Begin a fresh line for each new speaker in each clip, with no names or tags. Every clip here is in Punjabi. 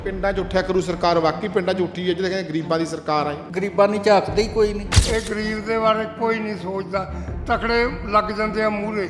ਪਿੰਡਾਂ 'ਚ ਉੱਠਿਆ ਕਰੂ ਸਰਕਾਰ, ਵਾਕਈ ਪਿੰਡਾਂ 'ਚ ਉੱਠੀ ਹੈ ਜਿਹੜੇ ਕਹਿੰਦੇ ਗਰੀਬਾਂ ਦੀ ਸਰਕਾਰ ਆਈ।
ਗਰੀਬਾਂ ਨੂੰ ਝਾਕਦੇ ਹੀ ਕੋਈ ਨਹੀਂ।
ਇਹ ਗਰੀਬ ਦੇ ਬਾਰੇ ਕੋਈ ਨਹੀਂ ਸੋਚਦਾ, ਤਕੜੇ ਲੱਗ ਜਾਂਦੇ ਆ ਮੂਹਰੇ।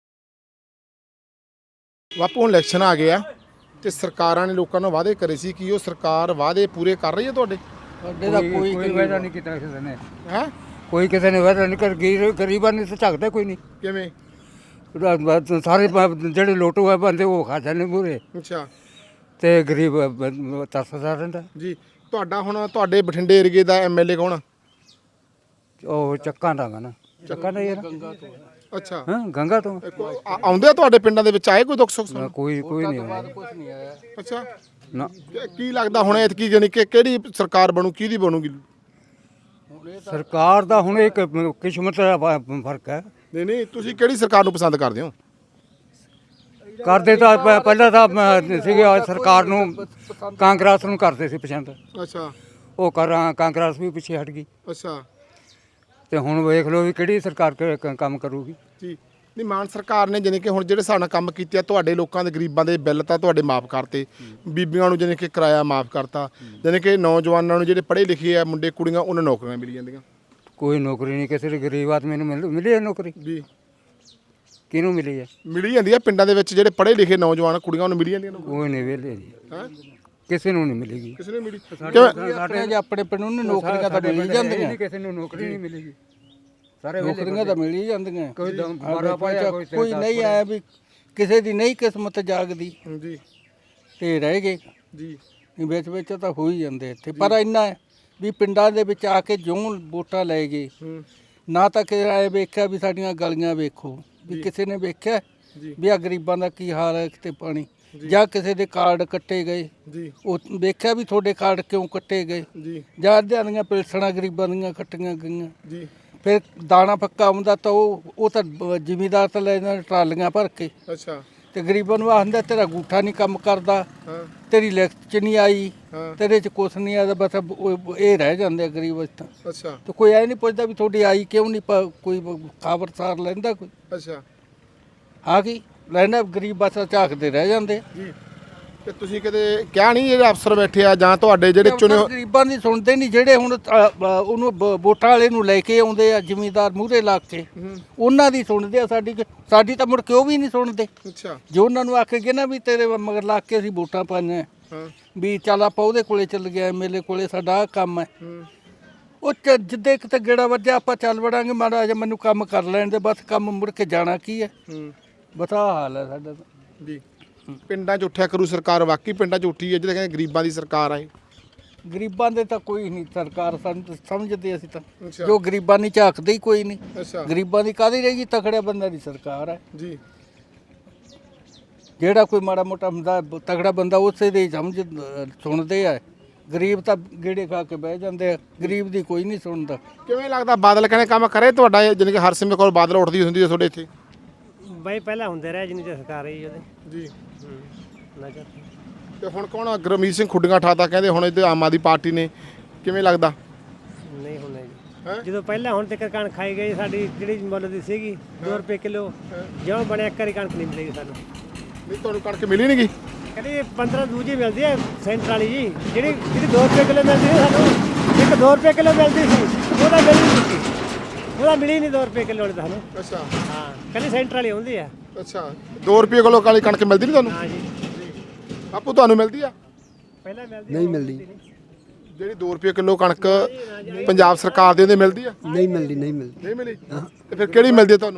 ਬਾਪੂ ਹੁਣ ਇਲੈਕਸ਼ਨ ਆ ਗਿਆ ਤੇ ਸਰਕਾਰਾਂ ਨੇ ਲੋਕਾਂ ਨੂੰ ਵਾਅਦੇ ਕਰੇ ਸੀ ਕਿ ਉਹ ਸਰਕਾਰ ਵਾਅਦੇ ਪੂਰੇ ਕਰ ਰਹੀ ਹੈ ਤੁਹਾਡੇ?
ਸਾਡੇ ਦਾ ਕੋਈ
ਵਾਅਦਾ ਨਹੀਂ ਕੀਤਾ ਕਿਸੇ ਨੇ।
ਹੈ
ਕੋਈ ਕਿਸੇ ਨੇ ਵਾਅਦਾ ਨਹੀਂ ਕਰ, ਗਰੀਬਾਂ ਨੂੰ ਤਾਂ ਝਾਕਦਾ ਕੋਈ ਨਹੀਂ।
ਕਿਵੇਂ?
ਸਾਰੇ ਜਿਹੜੇ ਲੋਟੂ ਹੈ ਬੰਦੇ ਉਹ ਖਾ ਜਾਂਦੇ ਮੂਹਰੇ,
ਅੱਛਾ
ਤੇ ਗਰੀਬ ਤਰਸਦਾ ਰਹਿੰਦਾ
ਜੀ। ਤੁਹਾਡਾ ਹੁਣ ਤੁਹਾਡੇ ਬਠਿੰਡੇ ਏਰੀਏ ਦਾ ਐਮਐਲਏ ਕੌਣ ਆ?
ਉਹ ਚੱਕਾਂ ਦਾ ਨਾ, ਚੱਕਾਂ ਦਾ ਯਾਰ।
ਅੱਛਾ
ਹਾਂ, ਗੰਗਾ ਤੋਂ
ਆਉਂਦੇ ਆ ਤੁਹਾਡੇ ਪਿੰਡਾਂ ਦੇ ਵਿੱਚ? ਆਏ ਕੋਈ ਦੁੱਖ ਸੁੱਖ ਸੁਣ?
ਕੋਈ ਨਹੀਂ ਆਉਂਦਾ।
ਅੱਛਾ
ਨਾ,
ਕੀ ਲੱਗਦਾ ਹੁਣ ਐਤਕੀ ਜਾਨੀ ਕਿ ਕਿਹੜੀ ਸਰਕਾਰ ਬਣੂ, ਕਿਹਦੀ ਬਣੂਗੀ?
ਸਰਕਾਰ ਦਾ ਹੁਣ ਇੱਕ ਕਿਸਮਤ ਦਾ ਫਰਕ ਹੈ।
ਨਹੀਂ ਨਹੀਂ, ਤੁਸੀਂ ਕਿਹੜੀ ਸਰਕਾਰ ਨੂੰ ਪਸੰਦ ਕਰਦੇ ਹੋ?
ਕਰਦੇ ਤਾਂ ਪਹਿਲਾਂ ਤਾਂ ਸੀਗੇ ਸਰਕਾਰ ਨੂੰ, ਕਾਂਗਰਸ ਨੂੰ ਕਰਦੇ ਸੀ ਪਸੰਦ।
ਅੱਛਾ
ਉਹ ਕਾਂਗਰਸ ਵੀ ਪਿੱਛੇ ਹਟ ਗਈ,
ਅੱਛਾ
ਤੇ ਹੁਣ ਵੇਖ ਲਓ ਵੀ ਕਿਹੜੀ ਸਰਕਾਰ ਕੰਮ ਕਰੂਗੀ।
ਜੀ। ਨਹੀਂ, ਮਾਨ ਸਰਕਾਰ ਨੇ ਜਾਨੀ ਕਿ ਹੁਣ ਜਿਹੜੇ ਹਿਸਾਬ ਨਾਲ ਕੰਮ ਕੀਤੇ ਆ, ਤੁਹਾਡੇ ਲੋਕਾਂ ਦੇ ਗਰੀਬਾਂ ਦੇ ਬਿੱਲ ਤਾਂ ਤੁਹਾਡੇ ਮਾਫ ਕਰਤੇ, ਬੀਬੀਆਂ ਨੂੰ ਜਾਨੀ ਕਿ ਕਿਰਾਇਆ ਮਾਫ ਕਰਤਾ, ਜਾਨੀ ਕਿ ਨੌਜਵਾਨਾਂ ਨੂੰ ਜਿਹੜੇ ਪੜ੍ਹੇ ਲਿਖੇ ਆ ਮੁੰਡੇ ਕੁੜੀਆਂ ਉਹਨਾਂ ਨੂੰ ਨੌਕਰੀਆਂ ਮਿਲ ਜਾਂਦੀਆਂ।
ਕੋਈ ਨੌਕਰੀ ਨਹੀਂ ਕਿਸੇ ਗਰੀਬ ਆਦਮੀ ਨੂੰ ਮਿਲੀ ਹੈ ਨੌਕਰੀ?
ਜੀ
ਕਿਹਨੂੰ ਮਿਲੀ ਹੈ?
ਮਿਲੀ ਜਾਂਦੀ ਆ ਪਿੰਡਾਂ ਦੇ ਵਿੱਚ, ਜਿਹੜੇ ਪੜ੍ਹੇ ਲਿਖੇ ਨੌਜਵਾਨ ਕੁੜੀਆਂ ਨੂੰ ਮਿਲੀ ਜਾਂਦੀਆਂ ਨੇ।
ਕੋਈ ਨਹੀਂ ਵਿਹਲੇ ਜੀ,
ਹੈ
ਕਿਸੇ ਨੂੰ ਨਹੀਂ ਮਿਲੇਗੀ।
ਕਿਸੇ ਨੂੰ ਮਿਲੀ?
ਆਪਣੇ ਪਿੰਡ ਨੂੰ ਨੌਕਰੀਆਂ ਤਾਂ ਮਿਲ ਹੀ ਜਾਂਦੀਆਂ,
ਕਿਸੇ ਨੂੰ ਨੌਕਰੀ ਨਹੀਂ ਮਿਲੇਗੀ। ਸਾਰੇ
ਨੌਕਰੀਆਂ ਤਾਂ ਮਿਲ ਹੀ ਜਾਂਦੀਆਂ।
ਕੋਈ
ਕੋਈ ਨਹੀਂ ਆਇਆ ਵੀ ਕਿਸੇ ਦੀ ਨਹੀਂ ਕਿਸਮਤ ਜਾਗਦੀ
ਜੀ
ਤੇ ਰਹਿ ਗਏ
ਜੀ।
ਵਿੱਚ ਵਿੱਚ ਤਾਂ ਹੋ ਹੀ ਜਾਂਦੇ ਇੱਥੇ। ਪਰ ਇੰਨਾ ਹੈ ਵੀ ਪਿੰਡਾਂ ਦੇ ਵਿੱਚ ਆ ਕੇ ਜਿਉਂ ਵੋਟਾਂ ਲੈ ਗਏ, ਨਾ ਤਾਂ ਕਿਸੇ ਆਏ ਵੇਖਿਆ ਵੀ ਸਾਡੀਆਂ ਗਲੀਆਂ ਵੇਖੋ, ਵੀ ਕਿਸੇ ਨੇ ਵੇਖਿਆ ਵੀ ਆ ਗਰੀਬਾਂ ਦਾ ਕੀ ਹਾਲ ਹੈ ਕਿਤੇ ਪਾਣੀ, ਜਾਂ ਕਿਸੇ ਦੇ ਕਾਰਡ ਕੱਟੇ ਗਏ
ਜੀ,
ਉਹ ਵੇਖਿਆ ਵੀ ਤੁਹਾਡੇ ਕਾਰਡ ਕਿਉਂ ਕੱਟੇ ਗਏ,
ਜੀ
ਜਾਂ ਅੱਧਿਆਂ ਦੀਆਂ ਪਿਲਸਣਾਂ ਗਰੀਬਾਂ ਦੀਆਂ ਕੱਟੀਆਂ ਗਈਆਂ।
ਜੀ।
ਫਿਰ ਦਾਣਾ ਪੱਕਾ ਆਉਂਦਾ ਤਾਂ ਉਹ ਤਾਂ ਜ਼ਿਮੀਦਾਰ ਤਾਂ ਲੈ ਜਾਂਦੇ ਟਰਾਲੀਆਂ ਭਰ ਕੇ,
ਅੱਛਾ
ਤੇ ਗਰੀਬਾਂ ਨੂੰ ਆਖਦਾ ਤੇਰਾ ਗੂਠਾ ਨਹੀਂ ਕੰਮ ਕਰਦਾ,
ਹਾਂ
ਤੇਰੀ ਲਿਖਤ 'ਚ ਨਹੀਂ ਆਈ,
ਹਾਂ
ਤੇਰੇ 'ਚ ਕੁਛ ਨਹੀਂ ਆਇਆ, ਬਸ ਇਹ ਰਹਿ ਜਾਂਦੇ ਆ ਗਰੀਬ ਇਸ ਤਾਂ।
ਅੱਛਾ
ਤੇ ਕੋਈ ਐ ਨਹੀਂ ਪੁੱਛਦਾ ਵੀ ਤੁਹਾਡੀ ਆਈ ਕਿਉਂ ਨਹੀਂ, ਕੋਈ ਖਬਰਸਾਰ ਲੈਂਦਾ ਕੋਈ?
ਅੱਛਾ
ਆ ਗਈ ਲੈਣਾ, ਗਰੀਬ ਬਸ ਝਾਕਦੇ ਰਹਿ ਜਾਂਦੇ।
ਜੀ। ਤੇ ਤੁਸੀਂ ਕਦੇ ਕਿਹਾ ਨਹੀਂ ਜਿਹੜੇ ਅਫਸਰ ਬੈਠੇ ਆ ਜਾਂ ਤੁਹਾਡੇ ਜਿਹੜੇ ਚੁਣੇ
ਗਰੀਬਾਂ ਦੀ ਸੁਣਦੇ ਨਹੀਂ, ਜਿਹੜੇ ਹੁਣ ਉਹਨੂੰ ਵੋਟਾਂ ਵਾਲੇ ਨੂੰ ਲੈ ਕੇ ਆਉਂਦੇ ਆ ਜ਼ਿਮੀਦਾਰ ਮੂਹਰੇ ਲਾ ਕੇ, ਉਹਨਾਂ ਦੀ ਸੁਣਦੇ ਆ। ਸਾਡੀ ਤਾਂ ਮੁੜ ਕੇ ਉਹ ਵੀ ਨਹੀਂ ਸੁਣਦੇ।
ਅੱਛਾ
ਜੋ ਉਹਨਾਂ ਨੂੰ ਆਖੇ ਗਏ ਨਾ ਵੀ ਤੇਰੇ ਮਗਰ ਲਾ ਕੇ ਅਸੀਂ ਵੋਟਾਂ ਪਾਈਆਂ,
ਹਾਂ
ਵੀ ਚੱਲ ਆਪਾਂ ਉਹਦੇ ਕੋਲੇ ਚੱਲ ਗਿਆ, ਐਮਐਲਏ ਕੋਲੇ, ਸਾਡਾ ਆਹ ਕੰਮ ਹੈ। ਉਹ ਜਿੱਦੇ ਕਿਤੇ ਗੇੜਾ ਵੱਜਿਆ ਆਪਾਂ ਚੱਲ ਵੜਾਂਗੇ, ਮਾੜਾ ਜਿਹਾ ਮੈਨੂੰ ਕੰਮ ਕਰ ਲੈਣ ਦੇ, ਬਸ ਕੰਮ ਮੁੜ ਕੇ ਜਾਣਾ ਕੀ ਹੈ। ਬਸ ਆਹ ਹਾਲ ਹੈ ਸਾਡਾ ਤਾਂ।
ਜੀ। ਪਿੰਡਾਂ 'ਚ ਉੱਠਿਆ ਕਰੂ ਸਰਕਾਰ, ਵਾਕਈ ਪਿੰਡਾਂ 'ਚ ਉੱਠੀ ਹੈ ਜਿਹੜੇ ਕਹਿੰਦੇ ਗਰੀਬਾਂ ਦੀ ਸਰਕਾਰ ਆਈ।
ਗਰੀਬਾਂ ਦੇ ਤਾਂ ਕੋਈ ਨਹੀਂ ਸਰਕਾਰ, ਸਾਨੂੰ ਤਾਂ ਸਮਝਦੇ ਅਸੀਂ ਤਾਂ,
ਅੱਛਾ
ਜੋ ਗਰੀਬਾਂ ਨਹੀਂ ਝਾਕਦੇ ਹੀ ਕੋਈ ਨਹੀਂ।
ਅੱਛਾ
ਗਰੀਬਾਂ ਦੀ ਕਾਹਦੀ ਰਹੇਗੀ, ਤਕੜਿਆ ਬੰਦਾ ਦੀ ਸਰਕਾਰ ਹੈ।
ਜੀ।
ਜਿਹੜਾ ਕੋਈ ਮਾੜਾ ਮੋਟਾ ਹੁੰਦਾ ਤਕੜਾ ਬੰਦਾ ਉਸੇ ਦੇ ਹੀ ਸੁਣਦੇ ਆ। ਗਰੀਬ ਤਾਂ ਗੇੜੇ ਖਾ ਕੇ ਬਹਿ ਜਾਂਦੇ ਆ, ਗਰੀਬ ਦੀ ਕੋਈ ਨਹੀਂ ਸੁਣਦਾ।
ਕਿਵੇਂ ਲੱਗਦਾ ਬਾਦਲ ਕਹਿੰਦੇ ਕੰਮ ਕਰੇ ਤੁਹਾਡਾ, ਜਾਣੀ ਕਿ ਹਰਸਿਮਰਤ ਕੌਰ ਬਾਦਲ ਉੱਠਦੀ ਹੁੰਦੀ ਹੈ ਤੁਹਾਡੇ ਇੱਥੇ?
ਬਾਈ ਪਹਿਲਾਂ ਹੁੰਦੇ ਰਹੇ ਜਿੰਨੀ ਚਿਰ ਸਰਕਾਰ ਰਹੀ ਉਹਦੇ
ਜੀ।
ਨਜ਼ਰ
ਤੇ ਹੁਣ ਕੌਣ? ਗੁਰਮੀਤ ਸਿੰਘ ਖੁੱਡੀਆਂ ਠਾਤਾ ਕਹਿੰਦੇ ਹੁਣ ਇੱਥੇ ਆਮ ਆਦਮੀ ਪਾਰਟੀ ਨੇ, ਕਿਵੇਂ ਲੱਗਦਾ?
ਨਹੀਂ ਹੋਣਾ ਜੀ।
ਹੈਂ?
ਜਦੋਂ ਪਹਿਲਾਂ ਹੁਣ ਤੱਕ ਕਣਕ ਖਾਈ ਗਈ ਸਾਡੀ, ਜਿਹੜੀ ਮੁੱਲ ਦੀ ਸੀਗੀ 2 ਰੁਪਏ ਕਿਲੋ, ਜਿਉਂ ਬਣਿਆ ਇੱਕ ਵਾਰੀ ਕਣਕ ਨਹੀਂ ਮਿਲੇਗੀ ਸਾਨੂੰ।
ਨਹੀਂ, ਤੁਹਾਨੂੰ ਕਣਕ ਮਿਲੀ ਨਹੀਂ ਗਈ?
ਕਹਿੰਦੀ 15 ਦੂਜੀ ਮਿਲਦੀ ਹੈ ਸੈਂਟਰ ਵਾਲੀ ਜੀ, ਜਿਹੜੀ 2 ਰੁਪਏ ਕਿਲੋ ਮਿਲਦੀ ਸੀ ਸਾਨੂੰ, ਇੱਕ 2 ਰੁਪਏ ਕਿਲੋ ਮਿਲਦੀ ਸੀ, ਉਹਦਾ ਮਿਲੀ ਨਹੀਂ ਸੀ, ਉਹਦਾ ਮਿਲੀ ਨਹੀਂ 2 ਰੁਪਏ ਕਿਲੋ ਵਾਲੀ ਸਾਨੂੰ।
ਅੱਛਾ
ਹਾਂ, ਕਹਿੰਦੀ ਸੈਂਟਰ ਵਾਲੀ ਹੁੰਦੀ ਆ।
ਅੱਛਾ, 2 ਰੁਪਏ ਕਿਲੋ ਕਾਲੀ ਕਣਕ ਮਿਲਦੀ ਨਹੀਂ ਤੁਹਾਨੂੰ?
ਹਾਂ ਜੀ,
ਬਾਪੂ ਤੁਹਾਨੂੰ ਮਿਲਦੀ ਆ?
ਪਹਿਲਾਂ ਮਿਲਦੀ
ਨਹੀਂ ਮਿਲਦੀ,
ਜਿਹੜੀ 2 ਰੁਪਏ ਕਿਲੋ ਕਣਕ ਪੰਜਾਬ ਸਰਕਾਰ ਦੇ ਉਹਦੇ ਮਿਲਦੀ ਆ?
ਨਹੀਂ ਮਿਲਦੀ, ਨਹੀਂ ਮਿਲਦੀ।
ਨਹੀਂ ਮਿਲੀ? ਤੇ ਫਿਰ ਕਿਹੜੀ ਮਿਲਦੀ ਆ ਤੁਹਾਨੂੰ?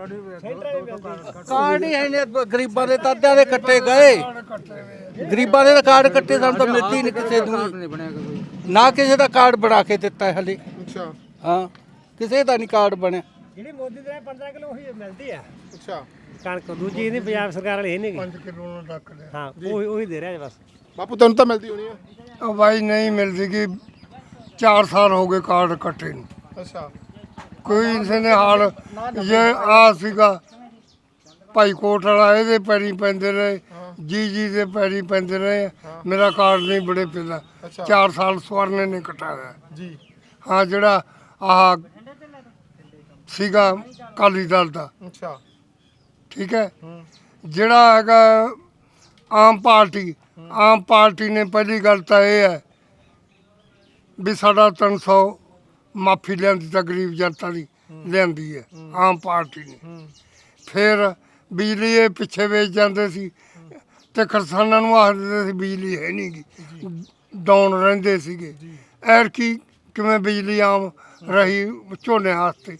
ਕਾਰਡ ਹੀ ਹੈ ਨੇ ਗਰੀਬਾਂ ਦੇ, ਤਾਦਿਆਂ ਦੇ ਕੱਟੇ ਗਏ, ਗਰੀਬਾਂ ਦੇ ਤਾਂ ਕਾਰਡ ਕੱਟੇ, ਸਾਨੂੰ ਤਾਂ ਮਿਲਦੀ ਨਹੀਂ ਕਿਸੇ ਨੂੰ, ਨਾ ਕਿਸੇ ਦਾ ਕਾਰਡ ਬਣਾ ਕੇ ਦਿੱਤਾ ਹੈ ਹਲੇ।
ਅੱਛਾ
ਹਾਂ, ਕਿਸੇ ਦਾ ਨਹੀਂ ਕਾਰਡ ਬਣਿਆ।
ਜਿਹੜੀ ਮੋਦੀ ਦੇ 15 ਕਿਲੋ ਉਹੀ ਮਿਲਦੀ ਆ
ਅੱਛਾ।
ਕਣਕ, ਦੂਜੀ ਨਹੀਂ ਪੰਜਾਬ ਸਰਕਾਰ ਵਾਲੀ ਹੈ ਨਹੀਂ।
5 ਕਿਲੋ ਨੂੰ ਰੱਖ ਲਿਆ।
ਹਾਂ, ਉਹੀ ਦੇ ਰਿਹਾ ਬਸ।
ਬਾਪੂ ਤੈਨੂੰ ਤਾਂ ਮਿਲਦੀ ਹੋਣੀ ਆ?
ਉਹ ਬਾਈ ਨਹੀਂ ਮਿਲਦੀ ਕਿ 4 ਸਾਲ ਹੋ ਗਏ ਕਾਰਡ ਕੱਟੇ ਨੂੰ।
ਅੱਛਾ
ਕੋਈ ਕਿਸੇ ਨੇ ਹਾਲ ਇਹ ਆ ਸੀਗਾ, ਭਾਈ ਕੋਟ ਵਾਲਾ ਇਹਦੇ ਪੈਰੀ ਪੈਂਦੇ ਰਹੇ, ਜੀ ਦੇ ਪੈਰੀ ਪੈਂਦੇ ਰਹੇ, ਮੇਰਾ ਕਾਰਡ ਨਹੀਂ ਬੜੇ ਪੈਂਦਾ। 4 ਸਾਲ ਸਵਰਨੇ ਨੇ ਕਟਾਇਆ
ਜੀ।
ਹਾਂ, ਜਿਹੜਾ ਆਹ ਸੀਗਾ ਅਕਾਲੀ ਦਲ ਦਾ,
ਅੱਛਾ
ਠੀਕ ਹੈ। ਜਿਹੜਾ ਹੈਗਾ ਆਮ ਪਾਰਟੀ, ਆਮ ਪਾਰਟੀ ਨੇ ਪਹਿਲੀ ਗੱਲ ਤਾਂ ਇਹ ਹੈ ਵੀ ਸਾਡਾ 300 ਮਾਫੀ ਲਿਆਂਦੀ ਤਾਂ ਗਰੀਬ ਜਨਤਾ ਦੀ ਲਿਆਂਦੀ ਹੈ ਆਮ ਪਾਰਟੀ ਨੇ। ਫਿਰ ਬਿਜਲੀ ਇਹ ਪਿੱਛੇ ਵੇਚ ਜਾਂਦੇ ਸੀ ਤੇ ਕਿਸਾਨਾਂ ਨੂੰ ਆਖਦੇ ਸੀ ਬਿਜਲੀ ਹੈ ਨਹੀਂ ਗੀ, ਡਾਊਨ ਰਹਿੰਦੇ ਸੀਗੇ। ਐਰਕੀ ਕਿਵੇਂ ਬਿਜਲੀ ਆਮ ਰਹੀ ਝੋਨੇ ਵਾਸਤੇ,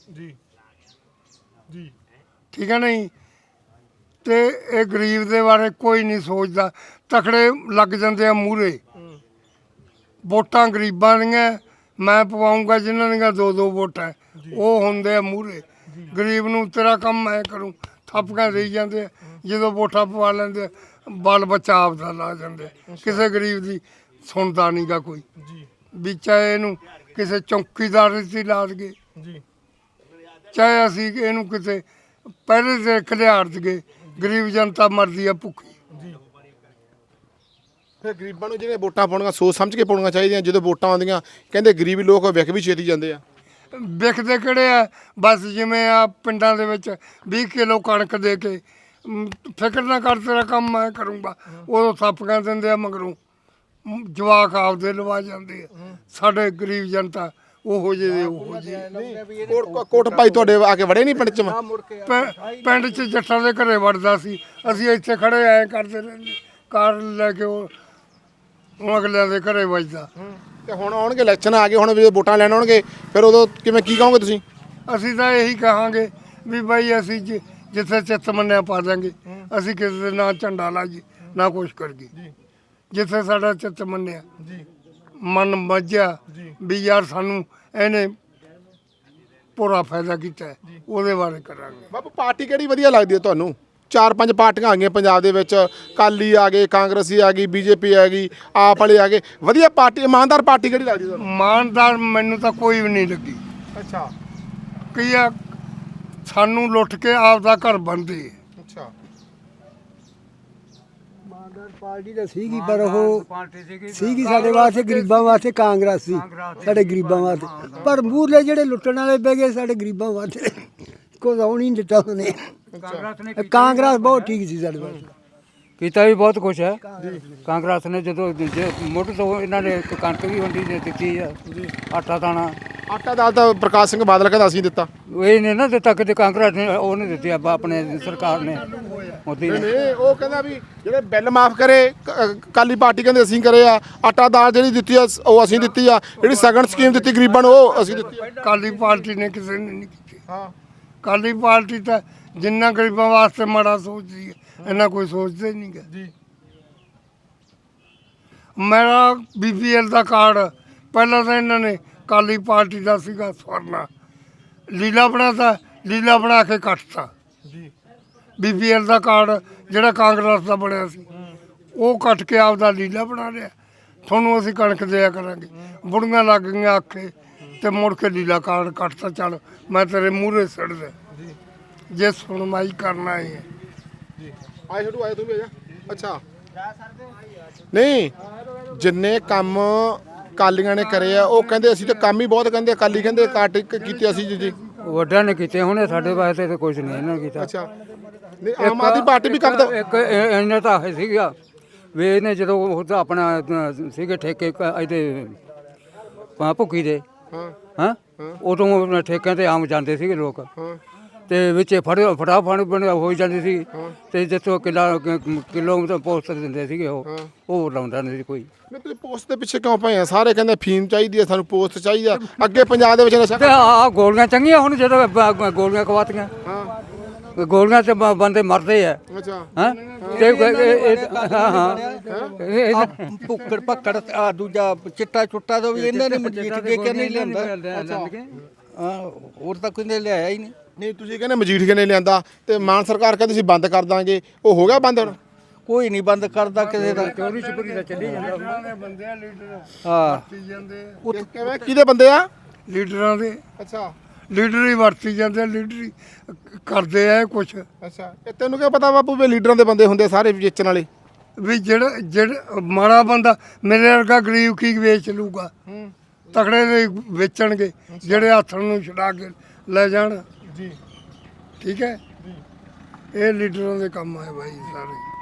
ਠੀਕ ਹੈ ਨਹੀਂ। ਤੇ ਇਹ ਗਰੀਬ ਦੇ ਬਾਰੇ ਕੋਈ ਨਹੀਂ ਸੋਚਦਾ। ਤਕੜੇ ਲੱਗ ਜਾਂਦੇ ਆ ਮੂਹਰੇ, ਵੋਟਾਂ ਗਰੀਬਾਂ ਦੀਆਂ ਮੈਂ ਪਵਾਉਂਗਾ ਜਿਨ੍ਹਾਂ ਦੀਆਂ 2-2 ਵੋਟਾਂ ਉਹ ਹੁੰਦੇ ਆ ਮੂਹਰੇ। ਗਰੀਬ ਨੂੰ ਤੇਰਾ ਕੰਮ ਮੈਂ ਕਰੂੰ ਥਾਪੀਆਂ ਦੇਈ ਜਾਂਦੇ ਆ। ਜਦੋਂ ਵੋਟਾਂ ਪਵਾ ਲੈਂਦੇ ਬਾਲ ਬੱਚਾ ਆਪਦਾ ਲਾ ਜਾਂਦੇ, ਕਿਸੇ ਗਰੀਬ ਦੀ ਸੁਣਦਾ ਨਹੀਂ ਗਾ ਕੋਈ ਵੀ। ਚਾਹੇ ਇਹਨੂੰ ਕਿਸੇ ਚੌਕੀਦਾਰ ਦੀ ਲਾ ਦਈਏ, ਚਾਹੇ ਅਸੀਂ ਇਹਨੂੰ ਕਿਸੇ ਪਹਿਲੇ ਦੇ ਖਿਲਾੜ ਦਈਏ, ਗਰੀਬ ਜਨਤਾ ਮਰਦੀ ਆ ਭੁੱਖੀ।
ਫਿਰ ਗਰੀਬਾਂ ਨੂੰ ਜਿਹੜੇ ਵੋਟਾਂ ਪਾਉਣੀਆਂ ਸੋਚ ਸਮਝ ਕੇ ਪਾਉਣੀਆਂ ਚਾਹੀਦੀਆਂ। ਜਦੋਂ ਵੋਟਾਂ ਆਉਂਦੀਆਂ ਕਹਿੰਦੇ ਗਰੀਬ ਲੋਕ ਵਿਕ ਵੀ ਛੇਤੀ ਜਾਂਦੇ ਆ।
ਵਿਕਦੇ ਕਿਹੜੇ ਆ? ਬਸ ਜਿਵੇਂ ਆ ਪਿੰਡਾਂ ਦੇ ਵਿੱਚ 20 ਕਿਲੋ ਕਣਕ ਦੇ ਕੇ ਫਿਕਰ ਨਾ ਕਰ ਤੇਰਾ ਕੰਮ ਮੈਂ ਕਰੂੰਗਾ, ਉਦੋਂ ਥਾਪੀਆਂ ਦਿੰਦੇ ਆ, ਮਗਰੋਂ ਜਵਾਕ ਆਪਦੇ ਲਵਾ ਜਾਂਦੇ ਆ। ਸਾਡੇ ਗਰੀਬ ਜਨਤਾ ਉਹੋ ਜਿਹੇ ਉਹੋ ਜਿਹੇ।
ਕੋਟ ਭਾਈ ਤੁਹਾਡੇ ਆ ਕੇ ਵੜੇ ਨਹੀਂ ਪਿੰਡ 'ਚ?
ਪਿੰਡ 'ਚ ਜੱਟਾਂ ਦੇ ਘਰੇ ਵੜਦਾ ਸੀ, ਅਸੀਂ ਇੱਥੇ ਖੜੇ ਐ ਕਰਦੇ ਰਹਿੰਦੇ, ਕਾਰ ਲੈ ਕੇ ਉਹ ਅਗਲਿਆਂ ਦੇ ਘਰੇ ਵੱਜਦਾ।
ਤੇ ਹੁਣ ਆਉਣਗੇ ਇਲੈਕਸ਼ਨ ਆ ਗਏ, ਹੁਣ ਵੀ ਵੋਟਾਂ ਲੈਣ ਆਉਣਗੇ, ਫਿਰ ਉਦੋਂ ਕਿਵੇਂ ਕੀ ਕਹੋਗੇ ਤੁਸੀਂ?
ਅਸੀਂ ਤਾਂ ਇਹੀ ਕਹਾਂਗੇ ਵੀ ਬਾਈ ਅਸੀਂ ਜਿੱਥੇ ਚਿੱਤ ਮੰਨਿਆ ਪਾ ਦਾਂਗੇ। ਅਸੀਂ ਕਿਸੇ ਦੇ ਨਾ ਝੰਡਾ ਲਾਜੀ ਨਾ ਕੁਛ ਕਰੀਏ। ਜਿੱਥੇ ਸਾਡਾ ਚਿੱਤ ਮੰਨਿਆ ਮਨ ਮੱਝਿਆ ਵੀ ਯਾਰ ਸਾਨੂੰ ਇਹਨੇ ਪੂਰਾ ਫਾਇਦਾ ਕੀਤਾ ਹੈ, ਉਹਦੇ ਬਾਰੇ ਕਰਾਂਗੇ।
ਬਾਪੂ ਪਾਰਟੀ ਕਿਹੜੀ ਵਧੀਆ ਲੱਗਦੀ ਹੈ ਤੁਹਾਨੂੰ? 4-5 ਪਾਰਟੀਆਂ ਆ ਗਈਆਂ ਪੰਜਾਬ ਦੇ ਵਿੱਚ, ਅਕਾਲੀ ਆ ਗਏ, ਕਾਂਗਰਸੀ ਆ ਗਈ, ਬੀਜੇਪੀ ਆ ਗਈ, ਆਪ ਵਾਲੇ ਆ ਗਏ। ਵਧੀਆ ਪਾਰਟੀ, ਇਮਾਨਦਾਰ ਪਾਰਟੀ ਕਿਹੜੀ ਲੱਗਦੀ ਤੁਹਾਨੂੰ?
ਇਮਾਨਦਾਰ ਮੈਨੂੰ ਤਾਂ ਕੋਈ ਵੀ ਨਹੀਂ ਲੱਗੀ।
ਅੱਛਾ,
ਕੀ ਆ ਸਾਨੂੰ ਲੁੱਟ ਕੇ ਆਪਦਾ ਘਰ ਬਣਦੇ।
ਅੱਛਾ।
ਪਾਰਟੀ ਤਾਂ ਸੀਗੀ ਪਰ ਉਹ ਸੀਗੀ ਸਾਡੇ ਵਾਸਤੇ ਗਰੀਬਾਂ ਵਾਸਤੇ ਕਾਂਗਰਸ ਸੀ, ਸਾਡੇ ਗਰੀਬਾਂ ਵਾਸਤੇ। ਪਰ ਮੂਹਰਲੇ ਜਿਹੜੇ ਲੁੱਟਣ ਵਾਲੇ ਬਹਿ ਗਏ ਸਾਡੇ ਗਰੀਬਾਂ ਵਾਸਤੇ ਕੁਝ ਆਉਣ ਹੀ ਨਹੀਂ ਦਿੱਤਾ ਉਹਨੇ। ਕਾਂਗਰਸ ਬਹੁਤ ਠੀਕ ਸੀ ਸਾਡੇ ਵਾਸਤੇ,
ਕੀਤਾ ਵੀ ਬਹੁਤ ਕੁਛ ਹੈ ਕਾਂਗਰਸ ਨੇ। ਜਦੋਂ ਮੁੱਢ ਤੋਂ ਇਹਨਾਂ ਨੇ ਕਣਕ ਵੀ ਵੰਡੀ ਦਿੱਤੀ ਆ, ਆਟਾ ਦਾਣਾ।
ਆਟਾ ਦਾਲ ਤਾਂ ਪ੍ਰਕਾਸ਼ ਸਿੰਘ ਬਾਦਲ ਕਹਿੰਦਾ ਅਸੀਂ ਦਿੱਤਾ।
ਇਹ ਨੇ ਨਾ ਦਿੱਤਾ, ਕਿਤੇ ਕਾਂਗਰਸ ਨੇ ਉਹ ਨਹੀਂ ਦਿੱਤੀ ਆਪਣੇ ਸਰਕਾਰ ਨੇ, ਮੋਦੀ ਨੇ।
ਨਹੀਂ, ਉਹ ਕਹਿੰਦਾ ਵੀ ਜਿਹੜੇ ਬਿੱਲ ਮਾਫ ਕਰੇ ਅਕਾਲੀ ਪਾਰਟੀ ਕਹਿੰਦੇ ਅਸੀਂ ਕਰੇ ਆ। ਆਟਾ ਦਾਲ ਜਿਹੜੀ ਦਿੱਤੀ ਆ ਉਹ ਅਸੀਂ ਦਿੱਤੀ ਆ। ਜਿਹੜੀ ਸਗਨ ਸਕੀਮ ਦਿੱਤੀ ਗਰੀਬਾਂ ਨੂੰ ਉਹ ਅਸੀਂ ਦਿੱਤੀ ਆ।
ਕਾਲੀ ਪਾਰਟੀ ਨੇ ਕਿਸੇ ਨੇ ਨਹੀਂ ਕੀਤੀ।
ਹਾਂ,
ਕਾਲੀ ਪਾਰਟੀ ਤਾਂ ਜਿੰਨਾ ਗਰੀਬਾਂ ਵਾਸਤੇ ਮਾੜਾ ਸੋਚਦੀ ਹੈ, ਇਹਨਾਂ ਕੋਈ ਸੋਚਦੇ ਨਹੀਂ ਗਾ ਜੀ। ਮੇਰਾ BPL ਦਾ ਕਾਰਡ ਪਹਿਲਾਂ ਤਾਂ ਇਹਨਾਂ ਨੇ ਕਾਲੀ ਪਾਰਟੀ ਦਾ ਸੀਗਾ ਸਵਰਨਾ, ਲੀਲਾ ਬਣਾਤਾ, ਲੀਲਾ ਬਣਾ ਕੇ ਕੱਟਤਾ ਜੀ। BPL ਦਾ ਕਾਰਡ ਜਿਹੜਾ ਕਾਂਗਰਸ ਦਾ ਬਣਿਆ ਸੀ ਉਹ ਕੱਟ ਕੇ ਆਪਦਾ ਲੀਲਾ ਬਣਾ ਲਿਆ। ਤੁਹਾਨੂੰ ਅਸੀਂ ਕਣਕ ਦਿਆ ਕਰਾਂਗੇ, ਬੁੜੀਆਂ ਲੱਗ ਗਈਆਂ ਆਖੇ ਤੇ ਮੁੜ ਕੇ ਲੀਲਾ ਕਾਰਡ ਕੱਟਤਾ। ਚੱਲ ਮੈਂ ਤੇਰੇ ਮੂਹਰੇ ਸੜਦਾ ਜੇ ਸੁਣਵਾਈ ਕਰਨਾ ਹੈ
ਜੀ। ਆਏ ਛੋਟੂ ਆਏ ਤੂੰ ਵੀ ਆ ਜਾ। ਅੱਛਾ, ਨਹੀਂ ਜਿੰਨੇ ਕੰਮ ਕਾਲੀਆਂ ਨੇ ਕਰੇ ਆ ਉਹ ਕਹਿੰਦੇ ਅਸੀਂ ਤਾਂ ਕੰਮ ਹੀ ਬਹੁਤ ਕਹਿੰਦੇ ਅਕਾਲੀ ਕਹਿੰਦੇ ਕਾਟ ਕੀਤੇ ਅਸੀਂ ਜੀ।
ਵੱਡਿਆਂ ਨੇ ਕੀਤੇ, ਹੁਣੇ ਸਾਡੇ ਵਾਸਤੇ ਤਾਂ ਕੁਝ ਨਹੀਂ ਇਹਨਾਂ ਨੇ ਕੀਤਾ।
ਅੱਛਾ, ਨਹੀਂ ਆਮ ਆਦਮੀ ਪਾਰਟੀ ਵੀ ਕੰਮ ਤਾਂ
ਇੱਕ ਇਹਨਾਂ ਤਾਂ ਹੈ ਸੀਗਾ ਵੀ ਇਹਨੇ ਜਦੋਂ ਉਹ ਤਾਂ ਆਪਣਾ ਸੀਗੇ ਠੇਕੇ ਇਹਦੇ ਭੁੱਕੀ ਦੇ, ਹਾਂ ਉਦੋਂ ਠੇਕਿਆਂ ਤੇ ਆਮ ਜਾਂਦੇ ਸੀਗੇ ਲੋਕ, ਤੇ ਵਿੱਚ ਫਟਾਫਟ ਹੋ ਜਾਂਦੀ ਸੀ। ਤੇ ਜਿੱਥੋਂ ਕਿਲੋ ਤਾਂ ਪੋਸਟ ਦਿੰਦੇ ਸੀਗੇ ਉਹ ਲਾਉਂਦਾ ਨਹੀਂ ਸੀ ਕੋਈ।
ਨਹੀਂ ਤੁਸੀਂ ਪੋਸਟ ਦੇ ਪਿੱਛੇ ਕਿਉਂ ਪਏ ਆ? ਸਾਰੇ ਕਹਿੰਦੇ ਫੀਮ ਚਾਹੀਦੀ ਹੈ ਸਾਨੂੰ, ਪੋਸਟ ਚਾਹੀਦਾ। ਅੱਗੇ ਪੰਜਾਬ ਦੇ ਵਿੱਚ ਨਸ਼ਾ
ਤੇ ਆਹ ਗੋਲੀਆਂ ਚੰਗੀਆਂ ਹੁਣ ਜਦੋਂ ਗੋਲੀਆਂ ਖਵਾਤੀਆਂ, ਗੋਲੀਆਂ ਤੇ ਬੰਦੇ ਮਰਦੇ ਆ।
ਅੱਛਾ,
ਹਾਂ
ਭੁੱਕੜ ਭੱਕੜ ਆ ਦੂਜਾ ਚਿੱਟਾ ਚੁੱਟਾ ਤੋਂ ਵੀ ਇਹਨਾਂ ਨੇ ਮਜੀਠ ਕੇ ਕਿ ਨਹੀਂ ਲਿਆਂਦਾ। ਹਾਂ, ਹੋਰ ਤਾਂ ਕੋਈ ਨੇ ਲਿਆਇਆ ਹੀ ਨਹੀਂ।
ਨਹੀਂ ਤੁਸੀਂ ਕਹਿੰਦੇ ਮਜੀਠੀਏ ਨੇ ਲਿਆਂਦਾ ਤੇ ਮਾਨ ਸਰਕਾਰ ਕਹਿੰਦੀ ਸੀ ਬੰਦ ਕਰ ਦਾਂਗੇ, ਉਹ ਹੋ ਗਿਆ ਬੰਦ ਹੁਣ?
ਕੋਈ ਨਹੀਂ ਬੰਦ ਕਰਦਾ ਕਿਸੇ ਦਾ।
ਚੋਰੀ ਛੁਪਰੀ ਦਾ ਚੱਲੀ ਜਾਂਦਾ।
ਬੰਦੇ ਆ ਲੀਡਰ
ਹਾਂ,
ਕਿਵੇਂ ਕਿਹਦੇ ਬੰਦੇ ਆ?
ਲੀਡਰਾਂ ਦੇ।
ਅੱਛਾ,
ਲੀਡਰ ਹੀ ਵਰਤੀ ਜਾਂਦੇ ਆ, ਲੀਡਰ ਹੀ ਕਰਦੇ ਆ ਕੁਛ।
ਅੱਛਾ, ਇਹ ਤੈਨੂੰ ਕੀ ਪਤਾ ਬਾਪੂ ਵੀ ਲੀਡਰਾਂ ਦੇ ਬੰਦੇ ਹੁੰਦੇ ਸਾਰੇ ਵੇਚਣ ਵਾਲੇ?
ਵੀ ਜਿਹੜਾ ਮਾੜਾ ਬੰਦਾ ਮੇਰੇ ਵਰਗਾ ਗਰੀਬ ਕੀ ਵੇਚ ਲੂਗਾ? ਤਕੜੇ ਦੇ ਵੇਚਣਗੇ ਜਿਹੜੇ ਹੱਥ ਨੂੰ ਛਡਾ ਕੇ ਲੈ ਜਾਣ ਜੀ। ਠੀਕ ਹੈ, ਇਹ ਲੀਡਰਾਂ ਦੇ ਕੰਮ ਹੈ ਬਾਈ ਸਾਰੇ।